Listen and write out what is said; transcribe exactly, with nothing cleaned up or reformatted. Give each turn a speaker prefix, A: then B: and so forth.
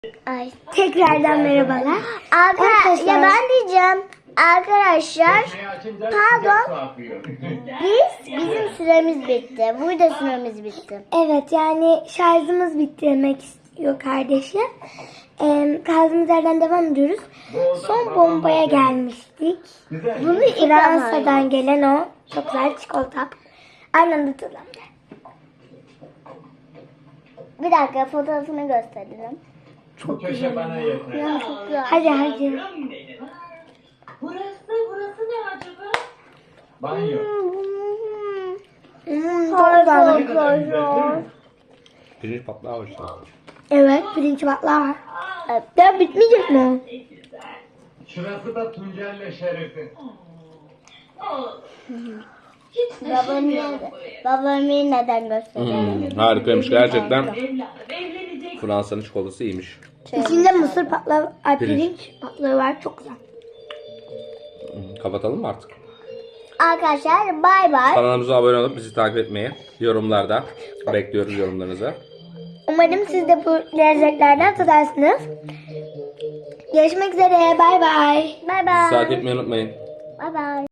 A: Ay, tekrardan merhabalar.
B: Arkadaşlar, ya ben diyeceğim arkadaşlar, pardon, biz bizim süremiz bitti. Burada süremiz bitti.
A: Evet, yani şarjımız bitti demek istiyor kardeşim. Ee, kaldığımız yerden devam ediyoruz. Son bombaya gelmiştik.
B: Bunu ilk
A: Fransa'dan gelen o çok güzel çikolata. Aynı anda tadalım.
B: Bir dakika, fotoğrafını gösterelim.
C: Çok köşe bana yeter.
B: Ya çok güzel.
A: Hadi hadi.
D: Burası, burası ne acaba?
C: Banyo.
A: Hmm, çok
B: Harika
A: güzel.
B: arkadaşlar.
E: Pirinç patlağı var işte.
A: Evet, pirinç batlağı var.
B: Evet.
A: Ya bitmeyecek mi o?
C: Şurası da Tuncer'le Şerif'in.
D: Hiç
B: Babamı
D: taşınmayalım
B: neden,
D: buraya.
B: babamı neden gösterelim?
E: Hmm, harikaymış gerçekten.
D: Evladım, evlenecek.
E: Fransa'nın çikolatası iyiymiş.
A: İçinde mısır patlağı, ay,
E: Pirinç.
A: pirinç patlağı var. Çok güzel.
E: Hmm, kapatalım mı artık?
B: Arkadaşlar bay bay.
E: Kanalımıza abone olup bizi takip etmeyi, yorumlarda bekliyoruz yorumlarınızı.
A: Umarım siz de bu lezzetlerden tadarsınız. Görüşmek üzere. Bay bay.
B: Bay
E: Bizi takip
B: bay.
E: etmeyi unutmayın.
B: Bay bay.